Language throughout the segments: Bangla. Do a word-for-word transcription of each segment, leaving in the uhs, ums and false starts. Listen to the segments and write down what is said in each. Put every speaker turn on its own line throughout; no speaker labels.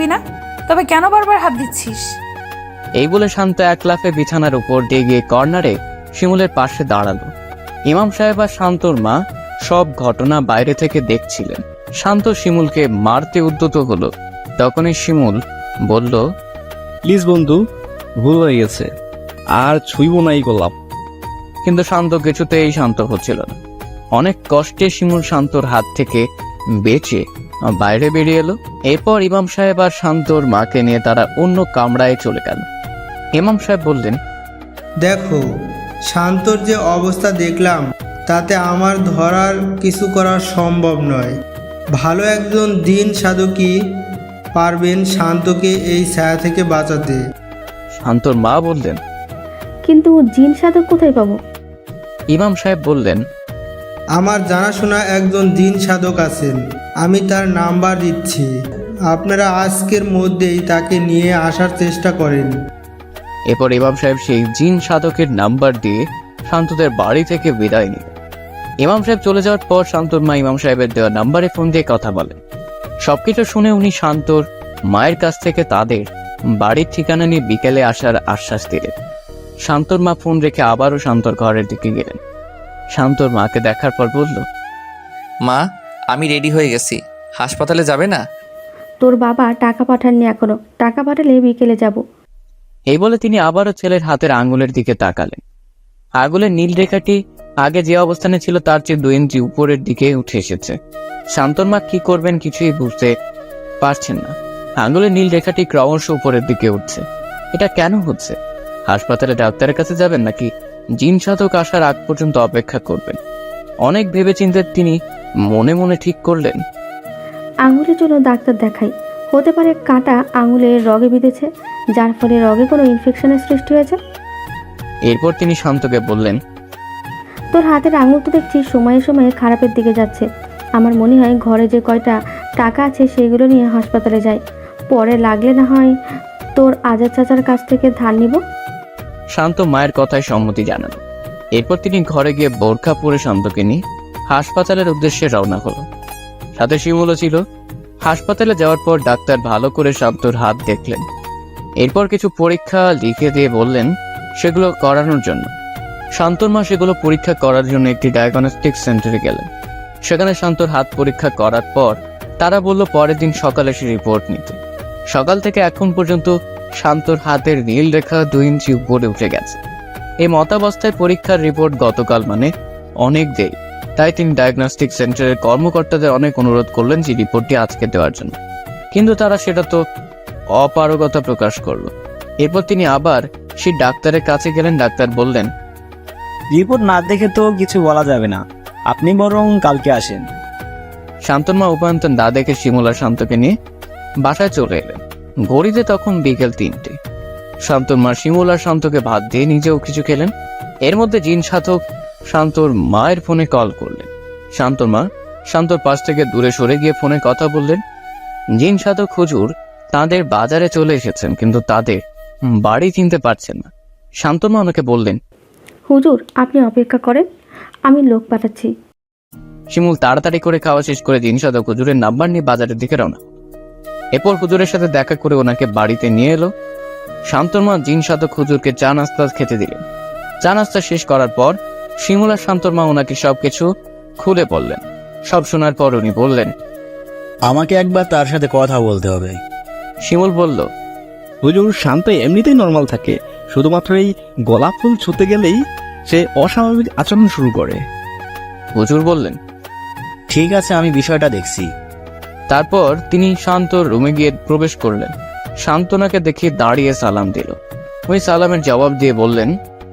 না, তবে কেন বারবার হাত দিচ্ছিস?
এই বলে শান্ত এক লাফে বিছানার উপর দিয়ে গিয়ে কর্নারে শিমুলের পাশে দাঁড়ালো। ইমাম সাহেব আর শান্তর মা সব ঘটনা বাইরে থেকে দেখছিলেন। শান্ত শিমুলকে মারতে উদ্যত হলো। তখনই শিমুল বলল,
প্লিজ বন্ধু, ভুল হয়ে গেছে, আর ছুঁইব না এই গোলাপ।
কিন্তু শান্ত কিছুতেই শান্ত হচ্ছিল না। অনেক কষ্টে শিমুল শান্তর হাত থেকে বেঁচে বাইরে বেরিয়ে এলো। এরপর ইমাম সাহেব আর শান্তর মাকে নিয়ে তারা অন্য কামরায় চলে গেল। ইমাম সাহেব বললেন,
দেখো, শান্তর যে অবস্থা দেখলাম তাতে আমার ধরার কিছু করা সম্ভব নয়। ভালো একজন দিন সাধকই পারবেন শান্তকে এই ছায়া থেকে বাঁচাতে।
শান্তর মা বললেন,
কিন্তু জিন সাধক কোথায় পাবো?
ইমাম সাহেব বললেন,
আমার জানাশোনা একজন দিন সাধক আছেন, আমি তার নাম্বার দিচ্ছি। আপনারা আজকের মধ্যেই তাকে নিয়ে আসার চেষ্টা করেন।
এরপর ইমাম সাহেব সেই জিন সাধকের নাম্বার দিয়ে শান্তদের বাড়ি থেকে বিদায় নিল। ইমাম সাহেব চলে যাওয়ার পর শান্তর মা ইমাম সাহেবের দেওয়া নাম্বারে ফোন দিয়ে কথা বলেন। সবকিছু শুনে উনি শান্তর মায়ের কাছ থেকে তাদের বাড়ির ঠিকানা নিয়ে বিকেলে আসার আশ্বাস দিলেন। শান্তর মা ফোন রেখে আবারও শান্তর ঘরের দিকে গেলেন। শান্তর মাকে দেখার পর বলল,
মা, আমি রেডি হয়ে গেছি, হাসপাতালে যাবে না?
তোর বাবা টাকা পাঠাননি এখনো, টাকা পাঠালে বিকেলে যাব।
এই বলে তিনি আবারও ছেলের হাতের আঙ্গুলের দিকে তাকালেন। আঙ্গুলের নীল রেখাটি আগে যে অবস্থানে ছিল তার চেয়ে দুই ইঞ্চি উপরের দিকে উঠে এসেছে। শান্তর মা কি করবেন কিছুই বুঝতে পারছেন না। আঙ্গুলের নীল রেখাটি ক্রমশ উপরের দিকে উঠছে। এটা কেন হচ্ছে? হাসপাতালে ডাক্তারের কাছে যাবেন নাকি জিন সাধক আসার আগ পর্যন্ত অপেক্ষা করবেন? অনেক ভেবেচিন্তে তিনি মনে মনে ঠিক করলেন,
আঙুলের জন্য ডাক্তার দেখাই। হতে পারে কাঁটা আঙুলের রগে বিঁধেছে, যার ফলে রগে কোনো ইনফেকশনের সৃষ্টি হয়েছে।
এরপর তিনি শান্তকে বললেন,
তোর হাতের আঙুল তো দেখছি সময়ে সময়ে খারাপের দিকে যাচ্ছে। আমার মনে হয় ঘরে যে কয়টা টাকা আছে সেগুলো নিয়ে হাসপাতালে যাই, পরে লাগলে না হয় তোর আজাদ চাচার কাছ থেকে ধার নিব।
শান্ত মায়ের কথায় সম্মতি জানালো। এরপর তিনি ঘরে গিয়ে বোরখা পরে শান্তকে নিয়ে হাসপাতালের উদ্দেশ্যে রওনা হলো। সাথে শিমুলও ছিল। হাসপাতালে যাওয়ার পর ডাক্তার ভালো করে শান্তর হাত দেখলেন। এরপর কিছু পরীক্ষা লিখে দিয়ে বললেন সেগুলো করানোর জন্য। শান্তর মা সেগুলো পরীক্ষা করার জন্য একটি ডায়াগনস্টিক সেন্টারে গেলেন। সেখানে শান্তর হাত পরীক্ষা করার পর তারা বলল পরের দিন সকালে সে রিপোর্ট নিতে। সকাল থেকে এখন পর্যন্ত শান্তর হাতের নীল রেখা দুই ইঞ্চি উপরে উঠে গেছে। এই মতাবস্থায় পরীক্ষার রিপোর্ট গতকাল মানে অনেক দেরি। তাই তিনি ডায়াগনস্টিক সেন্টারের কর্মকর্তাদের অনেক অনুরোধ করলেন যে রিপোর্টটি আজকে দেওয়ার জন্য, কিন্তু তারা সেটা তো অপারগতা প্রকাশ করলো। এরপর তিনি আবার সেই ডাক্তারের কাছে গেলেন। ডাক্তার বললেন,
রিপোর্ট না দেখে তো কিছু বলা যাবে না, আপনি বরং কালকে আসেন।
শান্তর মা উপায়ন্তন না দেখে শিমুল আর শান্তকে নিয়ে বাসায় চলে এলেন। ঘড়িতে তখন বিকেল তিনটে। শান্তর মা শিমুল আর শান্তকে ভাত দিয়ে নিজেও কিছু খেলেন। এর মধ্যে জিন সাধক শান্তর মায়ের ফোনে কল করলেন। শান্তর মা শান্তর পাশ থেকে দূরে সরে গিয়ে ফোনে কথা বললেন। জিন সাধক হুজুর তাদের বাজারে চলে এসেছেন, কিন্তু তাদের বাড়ি চিনতে পারছেন না। শান্তর মা ওনাকে বললেন,
হুজুর আপনি অপেক্ষা করেন, আমি লোক পাঠাচ্ছি।
শিমুল তাড়াতাড়ি করে খাওয়া শেষ করে জিন সাধক হুজুরের নাম্বার নিয়ে বাজারের দিকে রওনা। এরপর হুজুরের সাথে দেখা করে ওনাকে বাড়িতে নিয়ে এলো। শান্তর মা জিন সাধক হুজুরকে চা নাস্তা খেতে দিলেন। চা নাস্তা শেষ করার পর শিমুল আর শান্তর মা ওনাকে সবকিছু খুলে বললেন। সব শোনার পর উনি বললেন,
আমাকে একবার তার সাথে কথা বলতে হবে।
শিমুল বলল,
হুজুর শান্ত এমনিতেই নর্মাল থাকে, শুধুমাত্র এই গোলাপ ফুল ছুঁতে গেলেই সে অস্বাভাবিক আচরণ শুরু করে।
হুজুর বললেন,
ঠিক আছে, আমি বিষয়টা দেখছি।
তারপর তিনি শান্তর রুমে গিয়ে প্রবেশ করলেন। শান্তনাকে দেখে দাঁড়িয়ে সালাম দিল। ওই সালামের জবাব দিয়ে বললেন,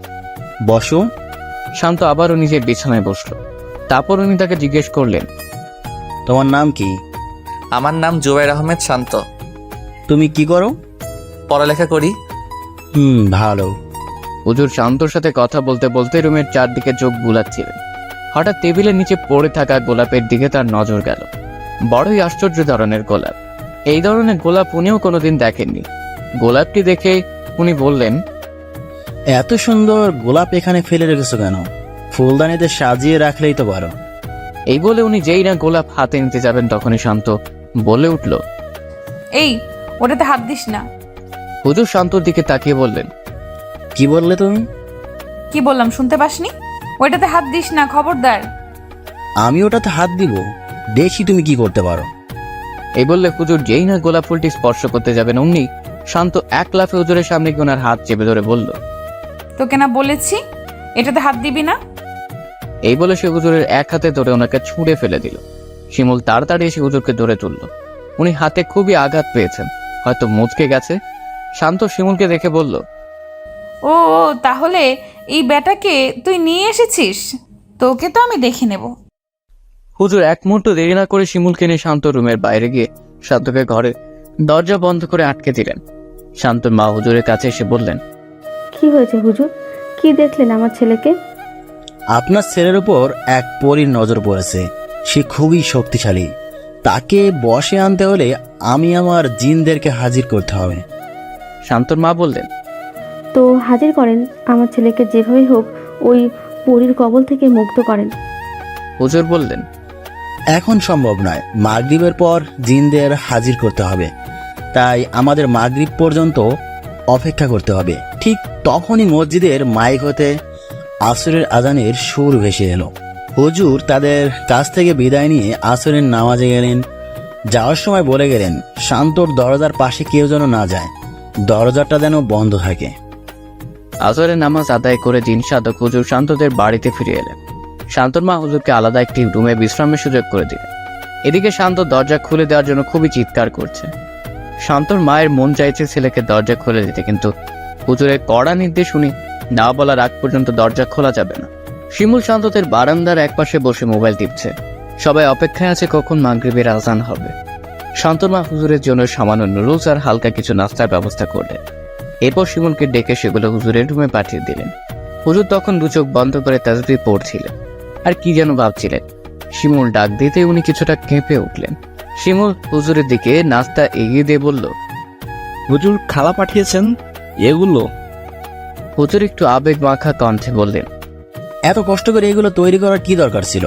বসো।
শান্ত আবারও নিজের বিছানায় বসলো। তারপর উনি তাকে জিজ্ঞেস করলেন,
তোমার নাম কি?
আমার নাম জুবাইর আহমেদ শান্ত।
তুমি কি করো?
পড়ালেখা করি।
হুম, ভালো।
হুজুর শান্তর সাথে কথা বলতে বলতে রুমের চারদিকে চোখ বুলাচ্ছিলেন। হঠাৎ টেবিলের নিচে পড়ে থাকা গোলাপের দিকে তার নজর গেল। বড়ই আশ্চর্য ধরনের গোলাপ। এই ধরনের গোলাপ উনিও কোনোদিন দেখেননি। গোলাপটি দেখে উনি বললেন,
এত সুন্দর গোলাপ এখানে ফেলে রেখেছো কেন? ফুলদানিতে সাজিয়ে রাখলেই তো পারো।
এই বলে উনি যেই না গোলাপ হাতে নিতে যাবেন তখনই শান্ত বলে উঠল,
এই ওটাতে হাত দিস না।
হুজুর শান্তর দিকে তাকিয়ে বললেন,
কি বললে তুমি?
কি বললাম শুনতে পাসনি? ওইটাতে হাত দিস না, খবরদার।
আমি ওটাতে হাত দিব? দেখি তুমি কি করতে পারো।
এই বললে হুজুর যেই না গোলাপ ফুলটি স্পর্শ করতে যাবেন অমনি শান্ত এক লাফে হুজুরের সামনে গিয়ে ওনার হাত চেপে ধরে বলল,
তোকে না বলেছি এটাতে হাত দিবি না?
এই বলে সে হুজুরের এক হাতে ধরে ওনাকে ছুঁড়ে ফেলে দিল। শিমুল তাড়াতাড়ি এসে হুজুরকে ধরে তুলল। উনি হাতে খুবই আঘাত পেয়েছেন, হয়তো মুচকে গেছে। শান্ত শিমুলকে দেখে বলল,
ও ও, তাহলে এই ব্যাটাকে তুই নিয়ে এসেছিস? তোকে তো আমি দেখে নেব।
হুজুর এক মুহূর্ত দেরি না করে শিমুলকে নিয়ে শান্ত রুমের বাইরে গিয়ে শান্তকে ঘরে দরজা বন্ধ করে আটকে দিলেন। শান্তর মা হুজুরের কাছে এসে বললেন,
কি হয়েছে হুজুর? কি দেখলেন আমার ছেলেকে?
আপনার ছেলের উপর এক পরীর নজর পড়েছে। সে খুবই শক্তিশালী। তাকে বশে আনতে হলে আমি আমার জিনদেরকে হাজির করতে হবে।
শান্তর মা বললেন,
তো হাজির করেন, আমার ছেলেকে যেভাবেই হোক ওই পরীর কবল থেকে মুক্ত করেন।
হুজুর বললেন,
এখন সম্ভব নয়, মাগরিবের পর জিনদের হাজির করতে হবে। তাই আমাদের মাগরিব পর্যন্ত অপেক্ষা করতে হবে। ঠিক তখনই মসজিদের মাইক হতে আসরের আজানের সুর ভেসে এলো। হুজুর তাদের কাছ থেকে বিদায় নিয়ে আসরের নামাজে গেলেন। যাওয়ার সময় বলে গেলেন, শান্তর দরজার পাশে কেউ যেন না যায়, দরজাটা যেন বন্ধ থাকে।
আসরের নামাজ আদায় করে জিন সাধক হুজুর শান্তদের বাড়িতে ফিরে এলেন। শান্তর মা হুজুরকে আলাদা একটি রুমে বিশ্রামের সুযোগ করে দিলেন। এদিকে শান্ত দরজা খুলে দেওয়ার জন্য খুবই চিৎকার করছে। শান্তর মায়ের মন চাইছে ছেলেকে দরজা খুলে দিতে, কিন্তু হুজুরের কড়া নির্দেশ শুনি না বলার আগ পর্যন্ত দরজা খোলা যাবে না। শিমুল শান্তদের বারান্দার একপাশে বসে মোবাইল টিপছে। সবাই অপেক্ষায় আছে কখন মাগরিবের আজান হবে। শান্তর মা হুজুরের জন্য সামান্য নুডলস আর হালকা কিছু নাস্তার ব্যবস্থা করলেন। এরপর শিমুলকে ডেকে সেগুলো হুজুরের রুমে পাঠিয়ে দিলেন। হুজুর তখন দু চোখ বন্ধ করে তাসবিহ পড়ছিলেন আর কি যেন ভাবছিলেন। শিমুল ডাক দিতে উনি কিছুটা কেঁপে উঠলেন। শিমুল হুজুরের দিকে নাস্তা এগিয়ে দিয়ে বলল,
হুজুর খালা পাঠিয়েছেন এগুলো।
হুজুর একটু আবেগ মাখা কণ্ঠে বললেন,
এত কষ্ট করে এগুলো তৈরি করার কি দরকার ছিল?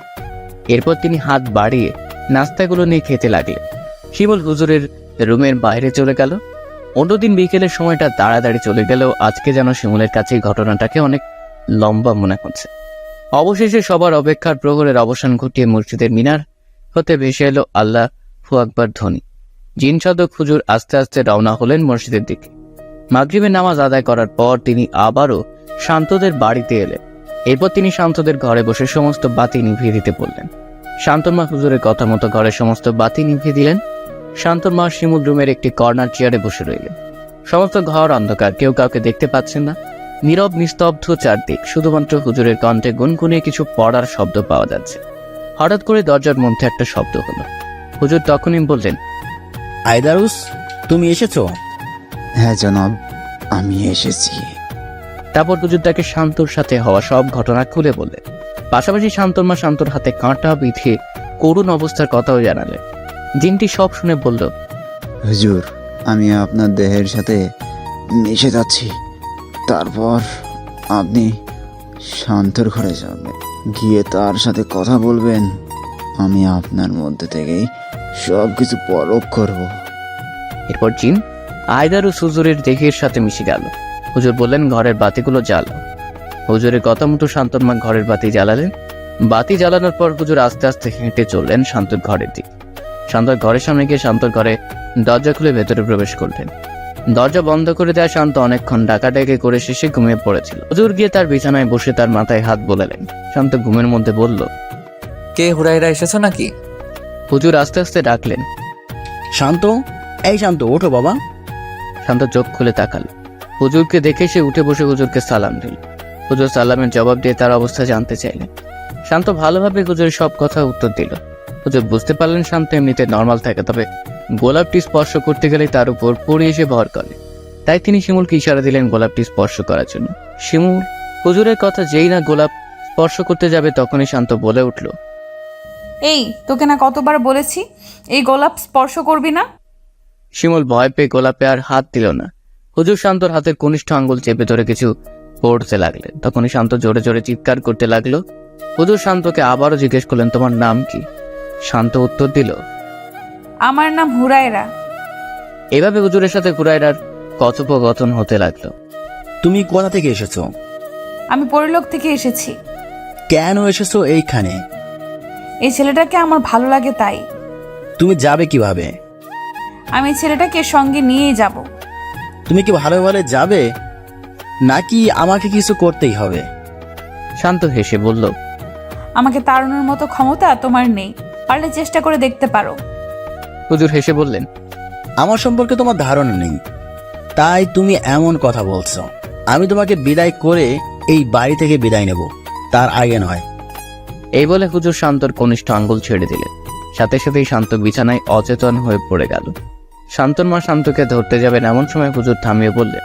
এরপর তিনি হাত বাড়িয়ে নাস্তাগুলো নিয়ে খেতে লাগলেন। শিমুল হুজুরের রুমের বাইরে চলে গেল। অন্যদিন বিকেলের সময়টা তাড়াতাড়ি চলে গেলেও আজকে যেন শিমুলের কাছে এই ঘটনাটাকে অনেক লম্বা মনে হচ্ছে। অবশেষে সবার অপেক্ষার প্রহরের অবসান ঘটিয়ে মসজিদের মিনার হতে ভেসে এলো আল্লাহ হু আকবার ধ্বনি। জিন সাধক হুজুর আস্তে আস্তে রওনা হলেন মসজিদের দিকে। মাগরিবের নামাজ আদায় করার পর তিনি আবারও শান্তদের বাড়িতে এলেন। এরপর তিনি শান্তদের ঘরে বসে সমস্ত বাতি নিভিয়ে দিতে বললেন। শান্তর মা হুজুরের কথা মতো ঘরের সমস্ত বাতি নিভিয়ে দিলেন। শান্তর মা শিমুল রুমের একটি কর্নার চেয়ারে বসে রইলেন। সমস্ত ঘর অন্ধকার, কেউ কাউকে দেখতে পাচ্ছেন না। নীরব নিস্তব্ধ চারদিক, শুধুমাত্র হুজুরের কণ্ঠে গুনগুনে কিছু পড়ার শব্দ পাওয়া যাচ্ছে। হঠাৎ করে দরজার মধ্যে একটা শব্দ হলো। হুজুর তখনই বললেন,
আইদারুস, তুমি এসেছো?
হ্যাঁ জনাব, আমি এসেছি।
তারপর হুজুর তাকে শান্তর সাথে হওয়া সব ঘটনা খুলে বললেন। পাশাপাশি শান্তর মা শান্তর হাতে কাঁটা বিঁধে করুণ অবস্থার কথাও জানালেন। জিনটি সব শুনে বলল,
হুজুর, আমি আপনার দেহের সাথে মিশে যাচ্ছি। তারপর আপনি শান্তর ঘরে যাবেন, গিয়ে তার সাথে কথা বলবেন। আমি আপনার মধ্যে থেকেই সব কিছু পরখ করব।
এরপর জিন আয়দারুস হুজুরের দেহের সাথে মিশে গেল। হুজুর বললেন, ঘরের বাতিগুলো জ্বালাও। হুজুরের কথা মতো শান্তর মা ঘরের বাতি জ্বালালেন। বাতি জ্বালানোর পর হুজুর আস্তে আস্তে হেঁটে চললেন শান্তর ঘরের দিকে। শান্তর ঘরের সামনে গিয়ে শান্তর ঘরে দরজা খুলে ভেতরে প্রবেশ করলেন। দরজা বন্ধ করে দেওয়া শান্ত অনেকক্ষণ ডাকাডাকি করে শেষে ঘুমিয়ে পড়েছিল। হুজুর গিয়ে তার বিছানায় বসে তার মাথায় হাত বোলালেন। শান্ত ঘুমের মধ্যে বলল,
কে হুরাইরা এসেছো নাকি?
হুজুর আস্তে আস্তে ডাকলেন,
শান্ত, এই শান্ত, ওঠো বাবা।
শান্ত চোখ খুলে তাকাল। হুজুরকে দেখে সে উঠে বসে হুজুরকে সালাম দিল। হুজুর সালামের জবাব দিয়ে তার অবস্থা জানতে চাইলেন। শান্ত ভালোভাবে হুজুরের সব কথা উত্তর দিল। হুজুর বুঝতে পারলেন শান্ত এমনিতে নর্মাল থাকে, তবে গোলাপটি স্পর্শ করতে গেলে তার উপর পড়ে এসে ভর করে। তাই তিনি শিমুলকে ইশারা দিলেন গোলাপটি স্পর্শ করার জন্য। শিমুল হুজুরের কথা যেই না গোলাপ স্পর্শ করতে যাবে তখনই শান্ত বলে উঠল,
এই তোকে না কতবার বলেছি এই গোলাপ স্পর্শ করবি না।
শিমুল ভয় পেয়ে গোলাপে আর হাত দিল না। হুজুর শান্তর হাতের কনিষ্ঠ আঙ্গুল চেপে ধরে কিছু পড়তে লাগলেন। তখনই শান্ত জোরে জোরে চিৎকার করতে লাগলো। হুজুর শান্তকে আবারও জিজ্ঞেস করলেন, তোমার নাম কি? শান্ত উত্তর দিল,
আমার নাম হুরায়রা।
এভাবে হুজুরের সাথে হুরায়রার কথোপকথন হতে লাগলো।
তুমি কোথা থেকে এসেছো?
আমি পরিলোক থেকে এসেছি।
কেন এসেছো এইখানে?
এই ছেলেটাকে আমার ভালো লাগে তাই।
তুমি যাবে কিভাবে?
আমি এই ছেলেটাকে সঙ্গে নিয়েই যাব।
তুমি কি ভালো ভালো যাবে নাকি আমাকে কিছু করতেই হবে?
শান্ত হেসে বলল,
আমাকে তাড়ানোর মতো ক্ষমতা তোমার নেই, পারলে চেষ্টা করে দেখতে পারো।
হুজুর হেসে বললেন,
আমার সম্পর্কে তোমার ধারণা নেই, তাই তুমি এমন কথা বলছো। আমি তোমাকে বিদায় করে এই বাড়ি থেকে বিদায় নেব, তার আগে নয়।
এই বলে হুজুর শান্তর কনিষ্ঠ আঙ্গুল ছেড়ে দিলেন। সাথে সাথেই শান্ত বিছানায় অচেতন হয়ে পড়ে গেল। শান্তর মা শান্তকে ধরতে যাবেন এমন সময় হুজুর থামিয়ে বললেন,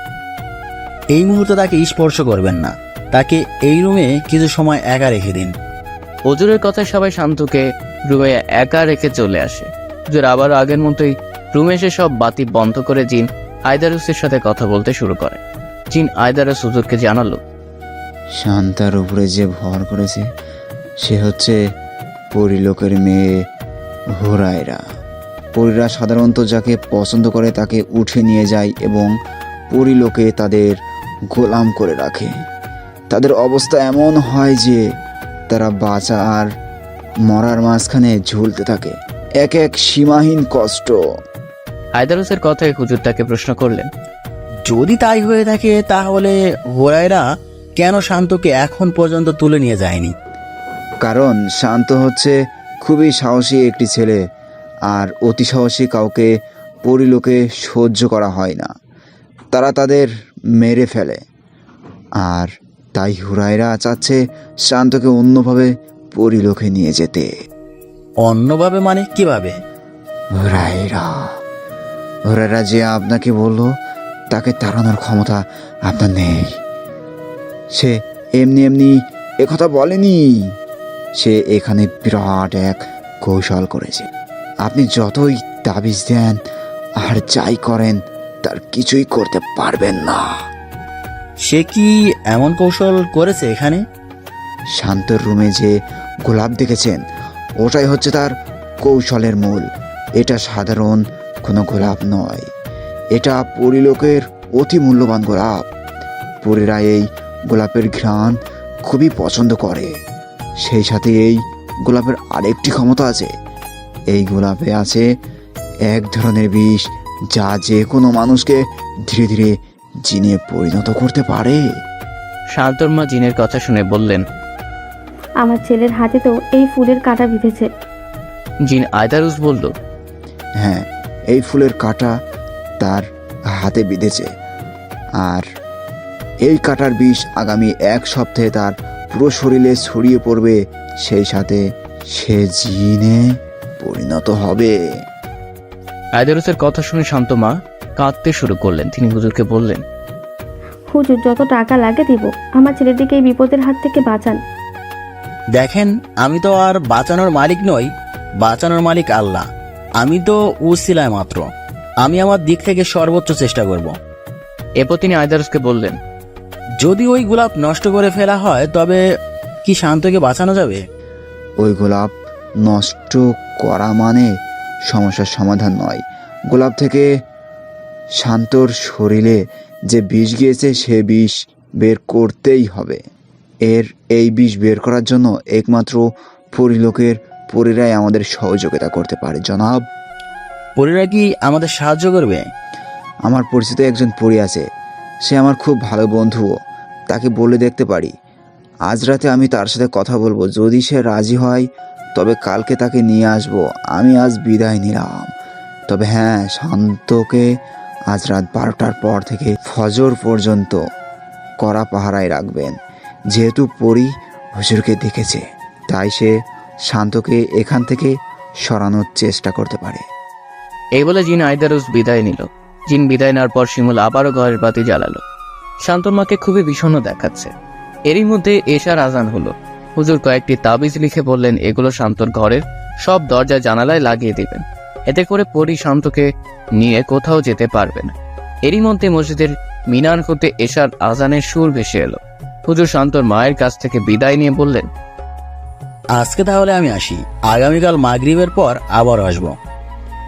এই মুহূর্তে তাকে স্পর্শ করবেন না, তাকে এই রুমে কিছু সময় একা রেখে দিন।
হুজুরের কথায় সবাই শান্তকে রুমে একা রেখে চলে আসে। হুজুর আবার আগের মতোই রুমে এসে সব বাতি বন্ধ করে জিন আয়দারুসের সাথে কথা বলতে শুরু করে। জিন আয়দারুস হুজুরকে জানালো,
শান্তার উপরে যে ভর করেছে সে হচ্ছে পরিলোকের মেয়ে হুরায়রা। পরীরা সাধারণত যাকে পছন্দ করে তাকে উঠে নিয়ে যায় এবং পরিলোকে তাদের গোলাম করে রাখে। তাদের অবস্থা এমন হয় যে তারা বাঁচা আর মরার মাঝখানে ঝুলতে থাকে, এক এক সীমাহীন কষ্ট।
আয়দারুসের কথায় হুজুর তাকে প্রশ্ন করলেন,
যদি তাই হয়ে থাকে তাহলে হুরায়রা কেন শান্তকে এখন পর্যন্ত তুলে নিয়ে যায়নি?
কারণ শান্ত হচ্ছে খুবই সাহসী একটি ছেলে, আর অতি সাহসী কাউকে পরিলোকে সহ্য করা হয় না, তারা তাদের মেরে ফেলে। আর তাই হুরায়রা চাচ্ছে শান্তকে অন্যভাবে পরিলোকে নিয়ে যেতে।
অন্যভাবে মানে কিভাবে?
হুরায়রা হুরায়রা যে আপনাকে বলল তাকে তাড়ানোর ক্ষমতা আপনার নেই। সে এমনি এমনি একথা বলেনি, সে এখানে বিরাট এক কৌশল করেছে। আপনি যতই তাবিজ দেন আর যাই করেন তার কিছুই করতে পারবেন না।
সে কি এমন কৌশল করেছে এখানে?
শান্তর রুমে যে গোলাপ দেখেছেন ওটাই হচ্ছে তার কৌশলের মূল। এটা সাধারণ কোনো গোলাপ নয়, এটা পরিলোকের অতি মূল্যবান গোলাপ। পরীরা এই গোলাপের ঘ্রাণ খুবই পছন্দ করে। সেই সাথে এই গোলাপের আরেকটি ক্ষমতা আছে, এই গোলাপে আছে এক ধরনের বিষ যা যে কোনো মানুষকে ধীরে ধীরে জিনে পরিণত করতে পারে।
শান্তর মা জিনের কথা শুনে বললেন,
আমার ছেলের হাতে তো এই ফুলের কাঁটা বিঁধেছে।
জিন আয়দারুস বলল,
হ্যাঁ, এই ফুলের কাঁটা তার হাতে বিঁধেছে, আর এই কাঁটার বিষ আগামী এক সপ্তাহে তার পুরো শরীরে ছড়িয়ে পড়বে, সেই সাথে সে জিনে পরিণত হবে।
আয়দারুসের কথা শুনে শান্ত মা কাঁদতে শুরু করলেন। তিনি হুজুরকে বললেন,
হুজুর যত টাকা লাগে দিব, আমার ছেলেটিকে এই বিপদের হাত থেকে বাঁচান।
দেখেন, আমি তো আর বাঁচানোর মালিক নই, বাঁচানোর মালিক আল্লাহ। আমি তো উসিলায় মাত্র, আমি আমার দিক থেকে সর্বোচ্চ চেষ্টা করব।
এরপর তিনি আয়দারুসকে বললেন,
যদি ওই গোলাপ নষ্ট করে ফেলা হয় তবে কি শান্তকে বাঁচানো যাবে?
ওই গোলাপ নষ্ট করা মানে সমস্যার সমাধান নয়। গোলাপ থেকে শান্তর শরীরে যে বিষ গিয়েছে সে বিষ বের করতেই হবে। এর এই বিষ বের করার জন্য একমাত্র পরিলোকের পরীরাই আমাদের সহযোগিতা করতে পারে জনাব।
পরীরা কি আমাদের সাহায্য করবে?
আমার পরিচিত একজন পরী আছে, সে আমার খুব ভালো বন্ধুও, তাকে বলে দেখতে পারি। আজ রাতে আমি তার সাথে কথা বলবো, যদি সে রাজি হয় তবে কালকে তাকে নিয়ে আসবো। আমি আজ বিদায় নিলাম, তবে হ্যাঁ, শান্তকে আজ রাত বারোটার পর থেকে ফজর পর্যন্ত কড়া পাহারায় রাখবেন। যেহেতু পরী হুজুরকে দেখেছে তাই সে শান্তকে এখান থেকে সরানোর চেষ্টা করতে পারে।
এই বলে জিন আয়দারুস বিদায় নিল। জিন বিদায় নেওয়ার পর শিমুল আবারও ঘরের বাতি জ্বালালো। শান্তর মাকে খুবই বিষণ্ণ দেখাচ্ছে। এরই মধ্যে এশার আজান হলো। হুজুর কয়েকটি তাবিজ লিখে বললেন এগুলো শান্তর ঘরের সব দরজা জানালায় লাগিয়ে দিবেন, এতে করে পরী শান্তকে নিয়ে কোথাও যেতে পারবে না। এরই মধ্যে মসজিদের মিনার হতে এশার আজানের সুর ভেসে এলো। হুজুর শান্তর মায়ের কাছ থেকে বিদায় নিয়ে বললেন,
আজকে তাহলে আমি আসি, আগামীকাল মাগরিবের পর আবার আসবো।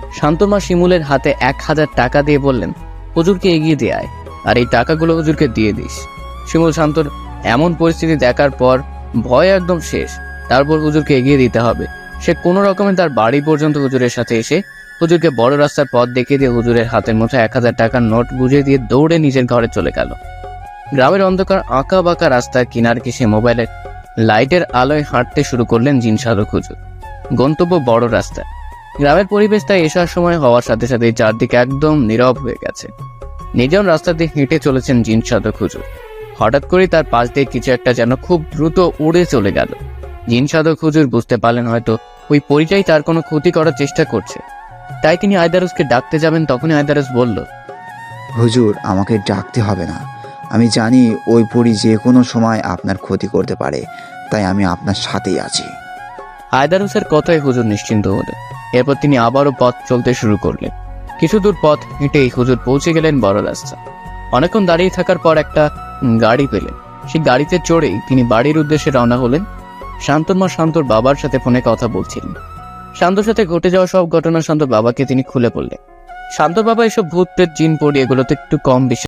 শান্তমা শিমুলের হাতে এক হাজার টাকা দিয়ে বললেন, হুজুরকে এগিয়ে দিয়ে আয়, আর এই টাকাগুলো হুজুরকে দিয়ে দিস। শিমুল শান্তর এমন পরিস্থিতি দেখার পর ভয় একদম শেষ। তারপর হুজুরকে এগিয়ে দিতে হবে। সে কোনো রকমে তার বাড়ি পর্যন্ত হুজুরের সাথে এসে হুজুরকে বড় রাস্তার পথ দেখিয়ে দিয়ে হুজুরের হাতের মধ্যে এক হাজার টাকার নোট বুঝিয়ে দিয়ে দৌড়ে নিজের ঘরে চলে গেল। গ্রামের অন্ধকার আঁকা বাঁকা রাস্তার কিনার ঘেঁষে মোবাইলের লাইটের আলোয় হাঁটতে শুরু করলেন জিন সাধক হুজুর। গন্তব্য বড় রাস্তা। গ্রামের পরিবেশ তাই এসার সময় হওয়ার সাথে সাথে চারদিকে একদম নীরব হয়ে গেছে। নির্জন রাস্তা দিয়ে হেঁটে চলেছেন জিন সাধক হুজুর। হঠাৎ করে তার পাশ দিয়ে কিছু একটা যেন খুব দ্রুত উড়ে চলে গেল। জিন সাধক হুজুর বুঝতে পারলেন হয়তো ওই পরিটাই তার কোনো ক্ষতি করার চেষ্টা করছে। তাই তিনি আয়দারুসকে ডাকতে যাবেন, তখনই আয়দারুস বলল,
হুজুর, আমাকে ডাকতে হবে না। আমি জানি ওই পরী যে কোনো সময় আপনার ক্ষতি করতে পারে, তাই আমি আপনার সাথেই আছি।
আয়দারুসের কথায় হুজুর নিশ্চিন্ত হলেন। এরপর তিনি আবারও পথ চলতে শুরু করলেন। কিছু দূর পথ হেঁটেই হুজুর পৌঁছে গেলেন বড় রাস্তা। অনেকক্ষণ দাঁড়িয়ে থাকার পর একটা গাড়ি পেলেন। সেই গাড়িতে চড়েই তিনি বাড়ির উদ্দেশ্যে রওনা হলেন। শান্তর মা শান্তর বাবার সাথে ফোনে কথা বলছিলেন। শান্তর সাথে ঘটে যাওয়া সব ঘটনা শান্তর বাবাকে তিনি খুলে বললেন। শান্তর বাবা এসব ভূত প্রেত জিন পড়ি এগুলোতে একটু কম বিশ্বাস